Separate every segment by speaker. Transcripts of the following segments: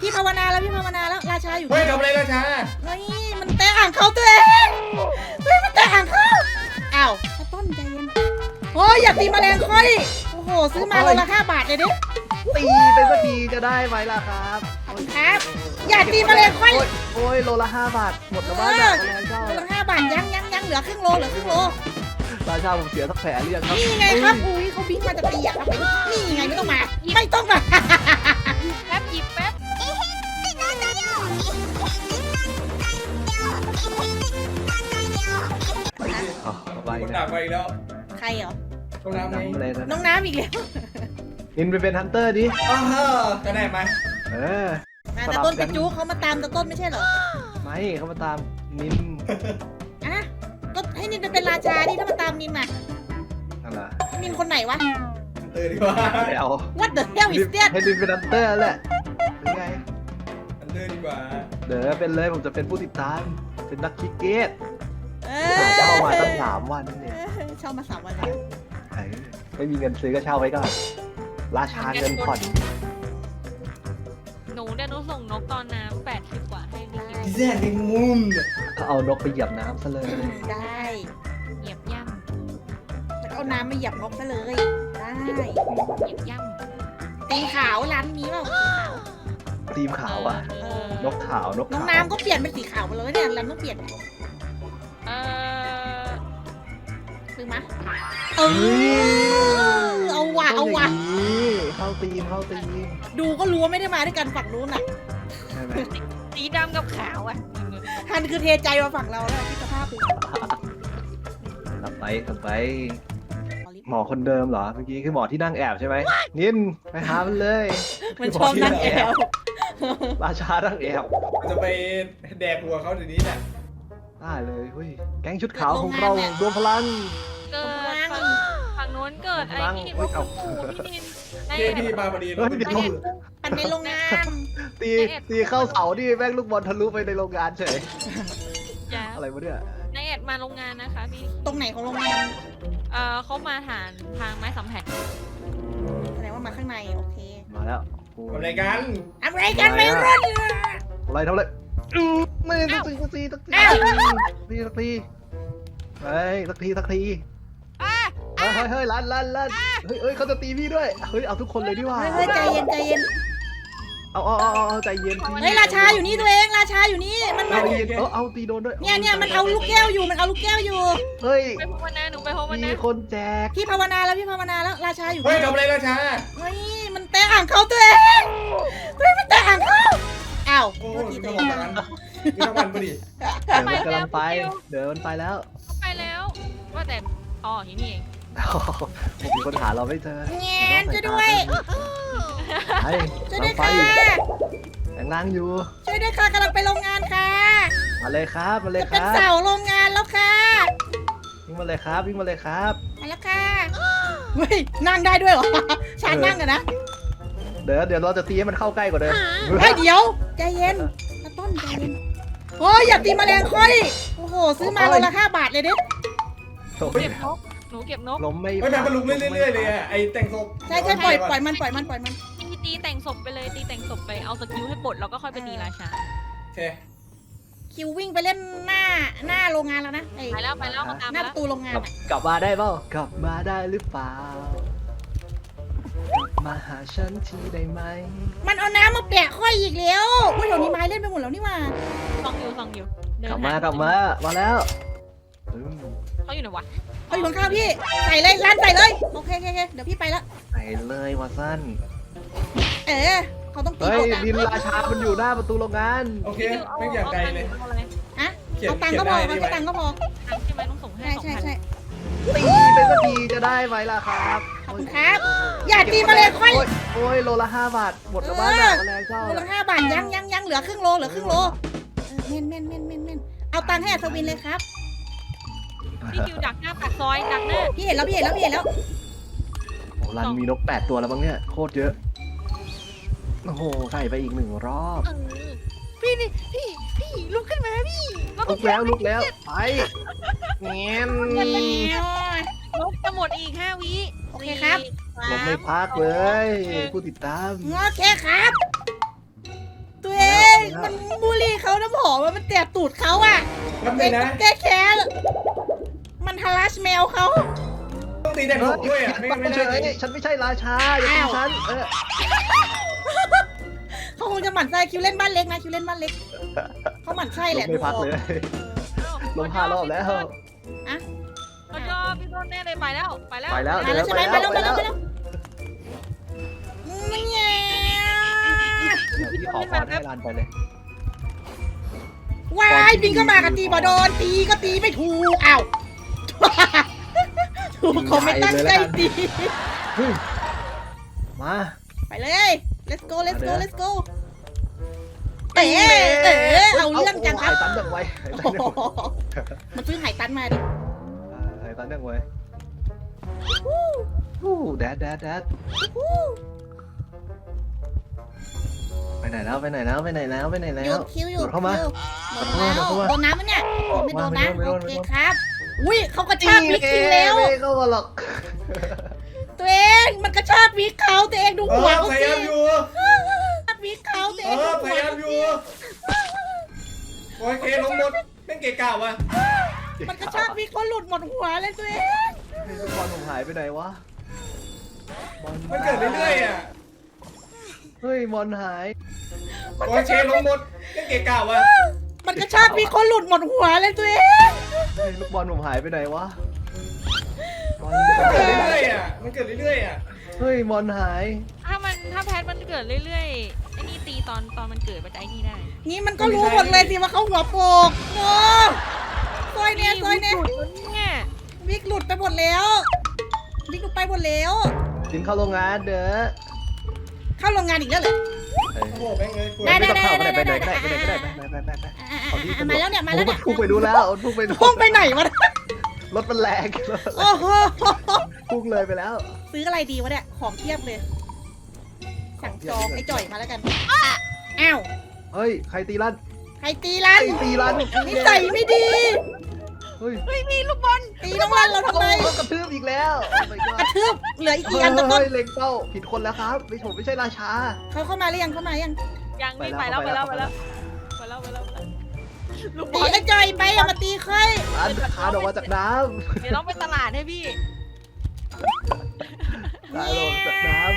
Speaker 1: พี่ภาวนาแล้วพี่ภาวนาแล้วราชาอยู่
Speaker 2: เฮ้ยทำอะไรราชา
Speaker 1: เฮ้ยมันแตะอ่างเขาตัวเองเฮ้ยมันแตะอ่างเขาอ้าวข้าวต้นใจเย็นโอ้ยอย่าตีแมลงค่อยโอ้โหซื้อมาโลละ5 บาทเลยดิ
Speaker 3: ตีไปสักทีจะได้ไหมล่ะครับ
Speaker 1: ขอบคุณครับอย่าตีแมลงค่อย
Speaker 3: โอ้ยโลละ5 บาทหมดแล้วบ้านแบบแรงเจ้า
Speaker 1: โลละ5 บาทยังเหลือครึ่งโล
Speaker 3: ราชาผมเสียสักแผลเรียงครับ
Speaker 1: นี่ไงครับอุ้ยเขาบินมาจากตีอ่ะครับนี่ไงไม่ต้องมา
Speaker 4: แป๊บหยิบแป๊บ
Speaker 3: อ๋อไป
Speaker 2: คน
Speaker 3: นะ
Speaker 2: ดักไปอีกแล้ว
Speaker 1: ใครเหรอ
Speaker 2: ต้องน้ำไหม
Speaker 3: น้ำเลย
Speaker 1: น้อ
Speaker 3: นะ
Speaker 1: งน้ำอีกแล้ว
Speaker 3: อินไปเป็นฮันเตอร์ดิ
Speaker 2: อ้าวก็ได้ไหม
Speaker 3: เออ
Speaker 1: แต่ต้นไปจู๊เขามาตามแต่ต้นไม่ใช่เหรอ
Speaker 3: ไม่เขามาตามนิน
Speaker 1: อ่ะก็ให้นินไปเป็นราชาดิถ้ามาตามนินน่ะ
Speaker 3: อะไร
Speaker 1: นินคนไหนวะ
Speaker 2: ดีกว่า
Speaker 3: ไม่เอา
Speaker 1: What the hell is that
Speaker 3: ให้นินเป็นฮันเตอร์แหละเป็นไง
Speaker 2: ดีกว่า
Speaker 3: เดี๋ยวเป็นเลยผมจะเป็นผู้ติดตามเป็นนักคริกเก็ต
Speaker 1: เอ
Speaker 3: เช่ามาตั้ง3 วันเนี่ย
Speaker 1: เช่ามา3 วันแล้ว
Speaker 3: ไม่มีเงินซื้อก็เช่าไว้ก่อนราชาเงินผ่อน
Speaker 4: หนูเดี๋ยวหนูส่งนกตอนน้ำ80 กว่าให้พี่กิน
Speaker 2: ดีแซ่บในมุม
Speaker 3: เขาเอานกไปเหยียบน้ำซะเลย
Speaker 1: ได้
Speaker 4: เหยียบย่
Speaker 1: แล้วเอาน้ำมาเหยียบนกซะเลย ได้
Speaker 4: ำเหยียบย่
Speaker 1: ตีขาวร้านนี้เปล่าสีขาว
Speaker 3: ทีมขาวอะ
Speaker 4: ำ
Speaker 3: นกขาวนก
Speaker 1: น้อง
Speaker 3: ขาว
Speaker 1: น้ำก็เปลี่ยนเป็นสีขาวไปเลยเนี่ยร้านต้องเปลี่ยน
Speaker 4: เออ
Speaker 1: ซื้อมาเอาว่ะ
Speaker 3: เข้าทีม
Speaker 1: ดูก็รู้ว่าไม่ได้มาด้วยกันฝั่งนู้นน่ะ
Speaker 3: ใช่ไหม
Speaker 4: สีดำกับขาวอ่ะ
Speaker 1: ฮันคือเทใจมาฝั่งเราแล้วพี่สภาพดู
Speaker 3: กลับไปหมอคนเดิมเหรอเมื่อกี้คือหมอที่นั่งแอบใช่ไหมนินไปหามันเลย
Speaker 1: มันชอบนั่งแอว
Speaker 3: ราชานั่งแอบ
Speaker 2: จะไปแดกหัวเขาเดี๋ยวนี้เนี่ย
Speaker 3: ได้เลยเฮ้ยแก๊งชุดขาวของเรารวมพลัง
Speaker 4: เกิดฝั่งโน้นเกิดไอ้นี่
Speaker 3: เฮ้ยเอา
Speaker 4: พี่นินไอ้
Speaker 2: พี่มาพอดี
Speaker 3: เฮ้ยเดี๋ยว
Speaker 1: ปันในโรงงาน
Speaker 3: ตีเข้าเสาดิแม่งลูกบอลทะลุไปในโรงงานเฉย
Speaker 4: จ้า
Speaker 3: อะไรวะเนี่ย
Speaker 4: นายแอดมาโรงงานนะคะพี่
Speaker 1: ตรงไหนของโรงงาน
Speaker 4: เขามาทางไม้สัมผัส
Speaker 1: แสดงว่ามาข้างในโอเค
Speaker 3: มาแล้ว
Speaker 2: ทำอะไรกัน
Speaker 1: อะไรกันไม่รุ่น
Speaker 3: อะไรทำอะไรไม่สักทีสักทีเฮ้ยสักทีเฮ้ยลั่นเฮ้ยเขาจะตีพี่ด้วยเฮ้ยเอาทุกคนเลยดีกว่า
Speaker 1: เฮ้ยใจเย็น
Speaker 3: เอาใจเย็น
Speaker 1: เฮ้ยราชาอยู่นี่ตัวเองราชาอยู่นี่มัน
Speaker 3: ใจเย็นเอาตีโดนด้วย
Speaker 1: เนี่ยมันเอาลูกแก้วอยู่
Speaker 3: เฮ้ย
Speaker 4: ไปภาวนาหนูไปภาว
Speaker 3: มี
Speaker 4: นา
Speaker 3: คนแจก
Speaker 1: พี่ภาวนาแล้วราชาอยู่
Speaker 2: เฮ้ยทำอะไรราชา
Speaker 1: เฮ้ยมันแตะอ่างเขาตัวเองเฮ้ยมันแตะอ่างเขาอ้าว
Speaker 2: โอ้
Speaker 1: โทษที
Speaker 2: ต้
Speaker 1: ตั
Speaker 2: อ
Speaker 1: ว
Speaker 2: ง
Speaker 1: เอ
Speaker 2: มาง กันมีน้ำมันพอดี
Speaker 3: มันกำลังไปเดี๋ยวมันไปแล้ว
Speaker 4: เขาไปแล้วว่าแต่อ๋อที่นี่เอง
Speaker 3: ผมมีคนหาเราไม่เจอ
Speaker 1: แงนช่วยด้วย
Speaker 3: ไป
Speaker 1: ช่วยด้วย
Speaker 3: ไป
Speaker 1: ค่ะ
Speaker 3: แรงล่างอยู่
Speaker 1: ช่วยด้วยค่ะกำลังไปโรงงานค่ะ
Speaker 3: มาเลยครับมาเลย
Speaker 1: จะ
Speaker 3: ค
Speaker 1: เป็น
Speaker 3: รับ
Speaker 1: เสาโรงงานแล้วค่ะ
Speaker 3: วิ่งมาเลยครับ
Speaker 1: มาแล้วค่ะเฮ้ยนั่งได้ด้วยเหรอชาญนั่งกันนะ
Speaker 3: เดี๋ยวเราจะตีให้มันเข้าใกล้กว่าเดิม
Speaker 1: เฮ้ยเดี๋ยวใจเย็นตะต้นใจเย็นโอ้ยอย่าตีแมลงค่อยโอ้โหซื้อมาโลละ5 บาทเลยดิ
Speaker 4: เก็บนกหนูเก็บนก
Speaker 3: ล้มไม่
Speaker 2: ไม่มันลุกเรื่อยๆเลยอะไอแต่งศพ
Speaker 1: ใช่ปล่อยมัน
Speaker 4: ตีแต่งศพไปเลยตีแต่งศพไปเอาสกิลให้ปลดแล้วก็ค่อยไปตีราชา
Speaker 2: โอเค
Speaker 1: คิววิ่งไปเล่นหน้าโรงงานแล้วนะไอ้
Speaker 4: ไปแล้วเขาตาม
Speaker 1: หน้า
Speaker 4: แล้
Speaker 1: ป
Speaker 4: ว
Speaker 1: ระตูโรงงานอะ
Speaker 3: กลับมาได้เปล่ากลับมาได้หรือเปล่ากลับมาหาฉันทีได้ไหม
Speaker 1: มันเอาน้ำมาแปะค่อยอีกแล้วอุ้ยเดี๋ยวนี้ไม้เล่นไปหมดแล้วนี่หว่า
Speaker 4: ส่องอยู่เดิน
Speaker 3: กลับมาแล้วอืม
Speaker 4: เขาอยู่ไหนวะ
Speaker 1: เขาอยู่ข้างๆพี่ใส่เลยร้านใส่เลยโอเคเดี๋ยวพี่ไปละ
Speaker 3: ไปเลยวาสั้น
Speaker 1: เขาต้องตี
Speaker 3: เฮ้ย
Speaker 1: ออกอะ
Speaker 3: ดินราชามันอยู่หน้าประตูโรงงาน
Speaker 2: โอเคไม่อย่างไกลเลย
Speaker 4: เอาอะไร
Speaker 1: อะ
Speaker 2: เขียน
Speaker 1: เอาตังค์ก็พอเอาแค่ตังค์ก็พอ
Speaker 4: ตังค์ใช่ไหมต้องส่งให้
Speaker 1: ใช่
Speaker 4: 2,000
Speaker 3: ตีไปสักทีจะได้ไหมล่ะครับ
Speaker 1: ขอบคุณครับอย่าตีมาเลยค่อย
Speaker 3: โอ้ยโลละ5 บาทหมดแล้วบ้านแบบแรงเจ้า
Speaker 1: โลละ5 บาทยังเหลือครึ่งโลเเม่นเอาตังค์ให้อัศวินเลยครับ
Speaker 4: พี่คิวดักหน้าปากซอยดักหน้า
Speaker 1: พี่เห็นแล้ว
Speaker 3: โอ้รันมีนก8 ตัวแล้วบ้างเนี่ยโคตรเยอะโอ้โหใส่ไปอีก1 รอบ
Speaker 1: พี่ลุกขึ้นมาพี่
Speaker 3: ลุกแล้วไปเงี้ย
Speaker 4: นกจะหมดอีก5 วิ
Speaker 1: โอเคครับ
Speaker 3: ผมไม่พักเลยผู้ติดตาม
Speaker 1: โอเคครับมันบูลลี่เขาน้ำหอมมันแตะตูดเขาอ่ะ
Speaker 2: แป๊บ
Speaker 1: เอ
Speaker 2: นึ
Speaker 1: ง
Speaker 2: งนะ
Speaker 1: ต้องแก้แค้นมันทารัชแมวเขา
Speaker 2: ต้องตีแตงศพด้วยอ่ะไม่
Speaker 3: ไม่
Speaker 2: ได้
Speaker 3: ใช่ฉันไม่ใช่ราชาอย่าตีฉัน
Speaker 1: เขาคงจะหมั่นไส้คิวเล่นบ้านเล็กนะคิวเล่นบ้านเล็กเขาหมั่นไส้แหละ
Speaker 3: ไม่พักเลยลง5 รอบแล้ว
Speaker 4: เขาชอบพี่ต้นแน่เลยไปแล้ว
Speaker 3: ไปแล้ว
Speaker 1: มาแล้วใช่ไหมมาแล้วมาแล้วมาแล้วเนี่ย
Speaker 3: พี่ขอพรให้รันไปเลย
Speaker 1: วายบินก็มากันตีบอโดนตีก็ตีไม่ถูกอ้าวถูกเขาไม่ตั้งใจตี
Speaker 3: มา
Speaker 1: ไปเลย let's go let's go let's go เอ๋เอาเรื่องจังครับ
Speaker 3: หายตันดังไว
Speaker 1: มันซื้อหายตันมาดิ
Speaker 3: หายตันดังไวแดดไปไหนแล้ว
Speaker 1: โยนคิวอยู่
Speaker 3: เข้ามา
Speaker 1: โดนแล้ว
Speaker 3: เข้ามา
Speaker 1: โดนน้ำมันเนี่ยไม่โดนนะ
Speaker 3: ไม่โดน
Speaker 1: โอเคครับ อุ้ยเขากระชากวิกคิวแล้ว
Speaker 3: ไม่เข้ามาหรอก
Speaker 1: ตัวเองมันกระชากวิกเขาตัวเองดู
Speaker 2: เอ
Speaker 1: หัว
Speaker 2: อ
Speaker 1: เขา
Speaker 2: พ
Speaker 1: สิ
Speaker 2: ยายามอยู่
Speaker 1: กระชากวิกเขาตัว
Speaker 2: เอ
Speaker 1: เองดู
Speaker 2: อ
Speaker 1: หัวย
Speaker 2: พายามอยู่โอเคลงหมดเป็นเกะกะว่ะ
Speaker 1: มันกระชากวิกเขาหลุดหมดหัวเลยตัวเอง
Speaker 3: ลูกบอลผมหายไปไหนวะ
Speaker 2: มันเกิดเรื่อยๆอ่ะ
Speaker 3: เฮ้ยบอลหาย
Speaker 2: โอเคลงหมดเป็นเกะกะว่ะ
Speaker 1: มันกระชากวิกเขาหลุดหมดหัวเลยตัวเอง
Speaker 3: เฮ้ยลูกบอลผมหายไปไหนวะบอล
Speaker 2: มันเกิดเรื่อยๆอ่ะมันเกิดเรื่อยๆอ่ะ
Speaker 3: เฮ้ยบอลหาย
Speaker 4: ถ้าแพทมันเกิดเรื่อยๆไอ้นี่ตีตอนมันเกิดมันจะไอ้นี่ได้
Speaker 1: นี่มันก็รู้หมดเลยสิว่าเขาหัวโปกโอ้ซอยเนี่ยซอยเนี่ย
Speaker 4: หลุดแล้วเนี่ย
Speaker 1: วิกหลุดไปหมดแล้ววิกหลุดไปหมดแล้ว
Speaker 3: กินเข้าโรงงานเด้อ
Speaker 1: เข้าโรงงานอีกแล้วเหรอ
Speaker 2: โอ้โหแม่งเลยป่วย
Speaker 1: ได้
Speaker 3: ไม่ต้องเข้าไปไหนไปไหนไปไป
Speaker 1: มาแล้วเนี่ยมาแล้วเนี่ย
Speaker 3: พุ่งไปดูแล้วพุ่งไปดู
Speaker 1: พุ่งไปไหนวะ
Speaker 3: รถมันแรง
Speaker 1: โอ้โห
Speaker 3: พุ่งเลยไปแล้ว
Speaker 1: ซื้ออะไรดีวะเนี่ยของเทียบเลย สั่งจองไอ้จ่อยมาแล้วกันอ้าว
Speaker 3: เฮ้ยใครตีลั่น
Speaker 1: ใครตีรัน
Speaker 3: ตีลั่น
Speaker 1: นิสัยไม่ดี
Speaker 3: เฮ้ย
Speaker 4: เฮ้ยมีลูกบอล
Speaker 1: ตีน้องรันเราทำไม
Speaker 3: กระทืบอีกแล้ว
Speaker 1: กระทืบเหลืออีกกี่อันต้น
Speaker 3: เฮ้ยเล็งเป้าผิดคนแล้วครับไม่ใช่ราชา
Speaker 1: เขาเข้ามาหรือยังเข้ามายัง
Speaker 4: ยังนี่ไปแล้วลูกบ
Speaker 1: ตี
Speaker 4: อล
Speaker 1: ไอ้จ่อยไปอย่ามาตีค่อย
Speaker 3: อันคานออกมาจากน้
Speaker 4: เดี๋ยวต้องไปตลาดให้พี่
Speaker 3: ำคานออกมาจากน้ำ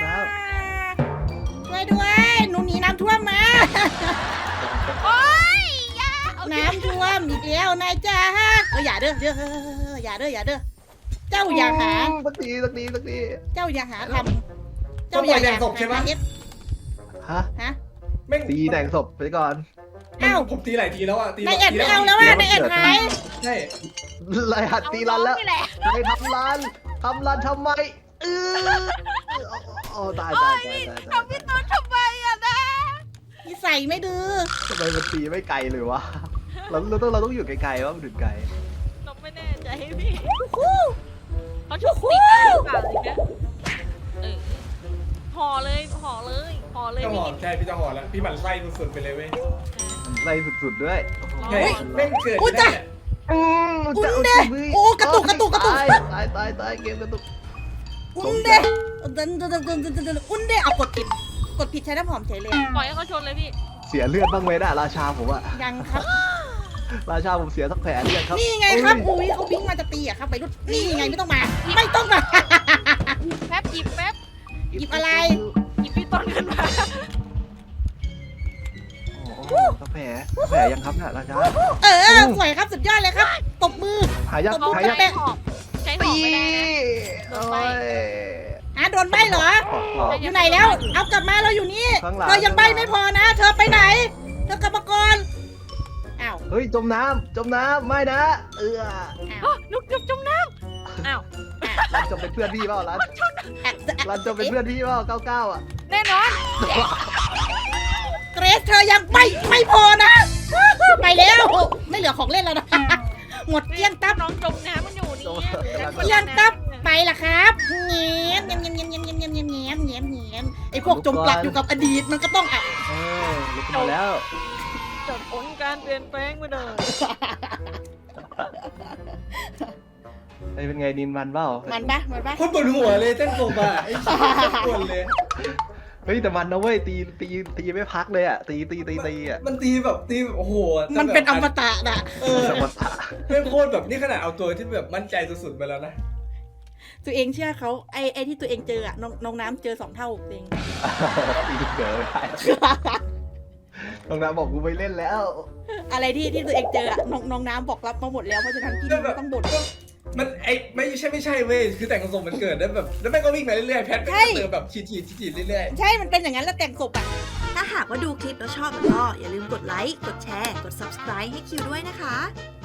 Speaker 1: ช่วยด้วยหนูหนีน้ำท่วมมา
Speaker 4: โอ๊ยยา
Speaker 1: น้ำท่วมอีกแล้วนายจ้าอย่าเด้ออย่าเด้อเจ้าอย่าหา
Speaker 3: สักที
Speaker 1: เจ้าอย่าหาทำ
Speaker 2: ต้องปล่อยแตงศพใช่ปะ
Speaker 3: ฮะ
Speaker 1: ฮะ
Speaker 2: แม่ง
Speaker 3: ตีแต่งศพไปก่อน
Speaker 1: อ้าว
Speaker 2: ผมตีหลายทีแล้วอ่ะตี
Speaker 1: นายแอดไม่เอาแล้วอ่ะนายแอดหาย
Speaker 2: ใช่
Speaker 3: ไล่หัดตีรันแล้ว
Speaker 4: นี่แหละ
Speaker 3: ใครทำรันทำไมโอ้ตาย
Speaker 4: ทำพี่ต้นทำไมอะนะ
Speaker 1: นิสัยไม่ดื้อ
Speaker 3: ทำไมมันตีไม่ไกลเลยวะเราต้องอยู่ไกลๆว่ามันถึงไกล
Speaker 4: เราไม่แน่ใจพี่
Speaker 1: ฮู้
Speaker 4: เขาชุบติดอะไรหรือเปล่าเลยนะห่อเลย
Speaker 2: เจ้าห
Speaker 4: พี่
Speaker 2: อใช่พี่เจ้าหอแล้วพี่หมั่นไส้สุดๆไปเลยเว้ย
Speaker 3: ไล่สุดๆด้วย
Speaker 2: ใช่แม่งเกิดไม่ได้อะ
Speaker 1: อุ้นเดโอ้กระตุก
Speaker 3: ตายเกมกระตุก
Speaker 1: อุ้นเดอุ้นเดเอากดผิดใช้น้ำหอมเฉยเลย
Speaker 4: ปล่อยให้เขาชนเลยพี่
Speaker 3: เสียเลือดบ้างไหมน่ะราชาผมอะ
Speaker 1: ยังครับ
Speaker 3: ราชาผมเสียสักแผลเลือดครับ
Speaker 1: นี่ไงครับอุ้ยเขาวิ่งมาจะตีอะครับไปรุ่นนี่ไงไม่ต้องมา ไม่ต้องมา
Speaker 4: แป๊บหยิบแป๊บ
Speaker 1: หยิบอะไร
Speaker 4: หยิบพี่ต้นขึ้นมา
Speaker 3: โอ้สักแผลยังครับน่ะราชา
Speaker 1: สวยครับสุดยอดเลยครับตบมือ
Speaker 3: หายัง
Speaker 1: ตบมือ
Speaker 3: หายัง
Speaker 1: แปะ
Speaker 4: ใช้หอมไม่ได้นะ โดนใบ้
Speaker 1: โดนใบเหรอ อยู่ไหนแล้ว เอากลับมาเราอยู่นี่
Speaker 3: ข้างหลัง
Speaker 1: เธอยังใบไม่พอนะ เธอไปไหน เธอกลับมาก่อนอ้าว
Speaker 3: เฮ้ยจมน้ำไม่นะ
Speaker 4: นุกจมน้ำอ้าว
Speaker 3: รันจมเป็นเพื่อนพี่เปล่ารันจมเป็นเพื่อนพี่เปล่า99อ่ะ
Speaker 4: แน่นอน
Speaker 1: เกรซเธอยังไม่พอนะ ไปแล้ว ไม่เหลือของเล่นแล้วนะ หมดเกลี้ยงตับ
Speaker 4: น้องจมน้ำมันอยู่นี่
Speaker 1: เกลี้ยงตับไปละครับเงี้ยไอพวกจมปลักอยู่กับอดีตมันก็ต้องอ่ะ
Speaker 3: ลุกมาแล้ว
Speaker 4: จบผลการเปลี่ยนแปลงไปเลย
Speaker 3: เป็นไงนินมันเปล่า
Speaker 1: มันปะ
Speaker 2: โคนปวดหัวเลยแตงศพอ่ะไอ้ชิ้นปวดเลย
Speaker 3: เฮ้ยแต่มันนะเว้ยตีไม่พักเลยอ่ะตีอ่ะ
Speaker 2: มันตีแบบโอ้โห
Speaker 1: มันเป็นอมตะน่ะ
Speaker 3: สมรรถะ
Speaker 2: เป็นโคตรแบบนี่ขนาดเอาตัวที่แบบมั่นใจสุดๆไปแล้วนะ
Speaker 1: ตัวเองเชื่อเขาไอ้ที่ตัวเองเจออะน้องน้ำเจอ2 เท่าตัวเอง
Speaker 3: ตีเกิดไม่ได้น้องน้ำบอกกูไม่เล่นแล้ว
Speaker 1: อะไรที่ตัวเองเจออะน้องน้ำบอกรับมาหมดแล้วเพราะฉะนั้นพี่ไม่ต้องบ่น
Speaker 2: มันไม่ใช่เว้ยคือแต่งทรงมันเกิดได้แบบแล้วแม่งก็วิ่งไปเรื่อยๆแพทแม่งก็เจอแบบฉีดเรื่อยๆ
Speaker 1: ใช่มันเป็นอย่างนั้นแล้วแต่งศพอะ
Speaker 5: ถ้าหากว่าดูคลิปแล้วชอบก็อย่าลืมกดไลค์ กดแชร์ กด subscribe ให้คิวด้วยนะคะ